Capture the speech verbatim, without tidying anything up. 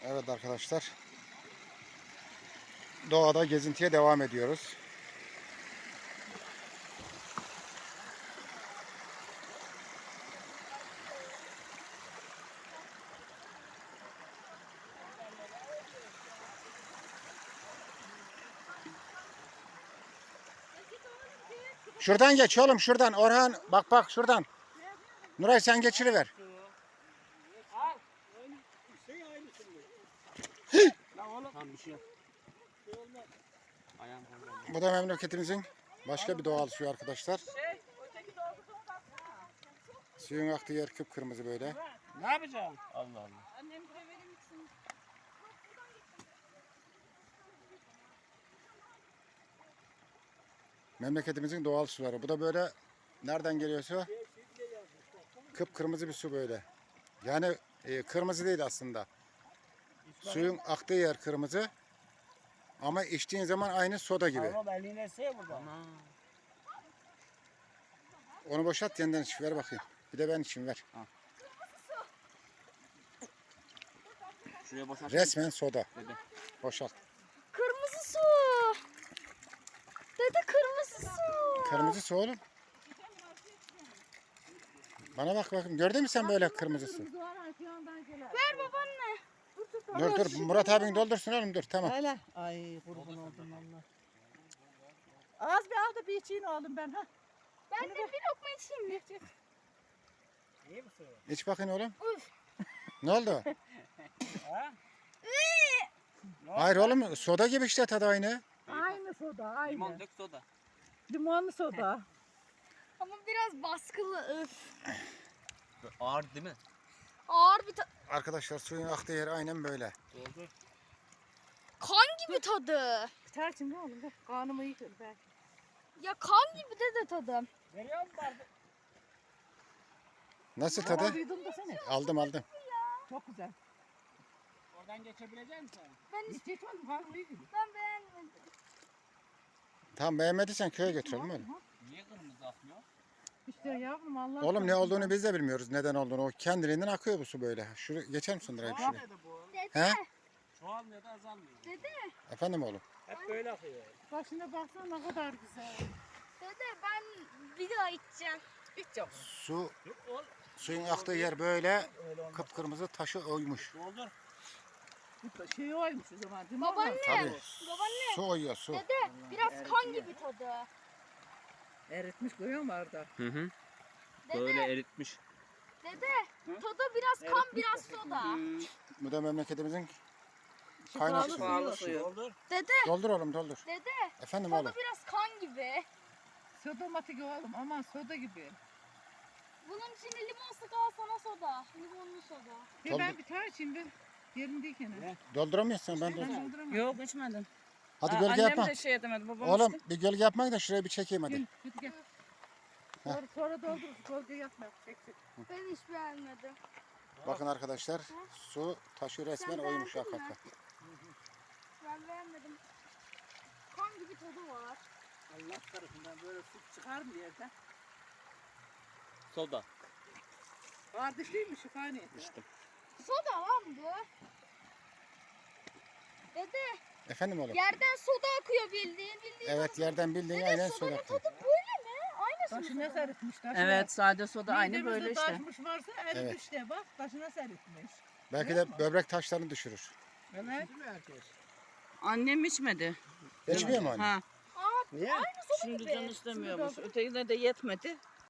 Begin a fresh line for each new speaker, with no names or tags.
Evet arkadaşlar. Doğada gezintiye devam ediyoruz. Şuradan geç oğlum şuradan. Orhan bak bak şuradan. Nuray sen geçiriver.
Tamam bir şey yok. Ayağım kayboldu.
Bu da memleketimizin başka bir doğal suyu arkadaşlar. Suyun aktığı yer kıpkırmızı böyle.
Ne yapacağım? Allah Allah.
Annem bize verir misin?
Memleketimizin doğal suları. Bu da böyle nereden geliyor su? Kıpkırmızı bir su böyle. Yani e, kırmızı değil aslında. Suyun aktığı yer kırmızı. Ama içtiğin zaman aynı soda gibi.
Ama eline şey burada. Ana.
Onu boşalt yeniden iç. Ver bakayım. Bir de ben içeyim ver.
Şuraya boşalt.
Resmen soda.
Dede.
Boşalt.
Kırmızı su. Dede kırmızı su.
Kırmızı su oğlum. Bana bak bakayım. Gördün mü sen böyle kırmızı su?
Ver babaanne.
Dur dur. Murat abin doldursun oğlum dur. Tamam.
Hele. Ay kurban oldum valla. Az bir al da bir içeyim oğlum ben ha.
Ben de bir lokma içeyim.
İyi misin?
İç bakayım oğlum.
Uf.
Ne oldu?
Ha?
Hayır oğlum soda gibi işte tadı aynı.
Aynı soda aynı.
Limon dök soda.
Limonlu soda.
Ama biraz baskılı. Öf.
Ağır değil mi?
Ağır bir ta-
Arkadaşlar suyun aktığı yer aynen böyle.
Doldur.
kan gibi tadı.
Biter şimdi oğlum. Ver. Kanımı yıkır belki.
Ya kan gibi dede tadı.
Veriyor musun bardak?
Nasıl tadı?
Duydum da seni.
Aldım aldım.
Çok güzel.
Oradan geçebilecek misin?
Ben
Hiç hiç oğlum kanımı yıkır.
ben beğenmedim.
Tamam beğenmediysen köye götürelim öyle.
Niye kırmızı akmıyor?
İşte yavrum Allah.
Oğlum ne olduğunu biz de bilmiyoruz. Neden olduğunu. O kendiliğinden akıyor bu su böyle. Şuraya geçer misin Nuray şuraya?
Çoğalmıyor da bu.
He?
Çoğalmıyor da azalmıyor.
Dede,
Efendim oğlum.
Hep böyle akıyor.
Başına baksana ne kadar güzel.
dede ben bir daha içeceğim.
Hiç yok.
Su
Yok oğlum.
suyun aktığı yer böyle
Öyle olmaz.
kıpkırmızı taşı oymuş.
Doldur.
Bu şey oymuş o zaman değil mi?
Babaanne,
Tabii.
babaanne.
Su oyuyor su.
Dede biraz kan gibi tadı.
Eritmiş koyuyor mu Arda?
Hı hı.
Dede,
eritmiş.
dede tadı biraz kan biraz soda.
Bu da memleketimizin kaynak
Şifalı
suyu.
suyu.
Doldur.
Dede,
Doldur oğlum doldur.
dede
Efendim
tadı
oğlum.
biraz kan gibi.
Soda matik oğlum aman soda gibi.
Bunun içine limon sık al sana soda. Limonlu soda.
Bir ben bir tane içeyim bir. Yerindeyken.
Ne?
Dolduramıyorsun ben
Ben
doldur.
dolduramam.
Yok içmedim.
Hadi
Aa,
gölge
annem
yapma.
de şey edemedi babam
Oğlum
işte.
bir gölge yapmayın da şuraya bir çekeyim hadi.
Gel, hadi gel. Sonra, sonra doldur. Gölge yapma. Çek çek.
Ben hiç beğenmedim.
Bakın arkadaşlar su taşı resmen
Sen
oymuş
beğendin mi?
hakikaten.
Ben beğenmedim. Kan gibi tadı var.
Allah tarafından böyle su çıkar mı yerden?
Soda.
Kardeş değil mi şifa niyeti?
İçtim.
Soda lan bu. Dede
Efendim oğlum.
yerden soda akıyor bildiğin. bildiğin
Evet yerden bildiğin
Dede
aynen
sodanın
soda.
tadı böyle mi? Aynısı mı?
Taşına serpmiş. Taşına.
Evet sade soda aynı
Midemizde
böyle işte.
taşmış varsa
Evet.
eritmiş de bak taşına serpmiş.
Belki de böbrek taşlarını düşürür.
Evet.
Değil mi herkes?
Annem içmedi.
İçmiyor mu anne?
Ha.
Aa,
Niye?
aynı soda
Şimdi
gibi.
can istemiyormuş. Ötekine de yetmedi.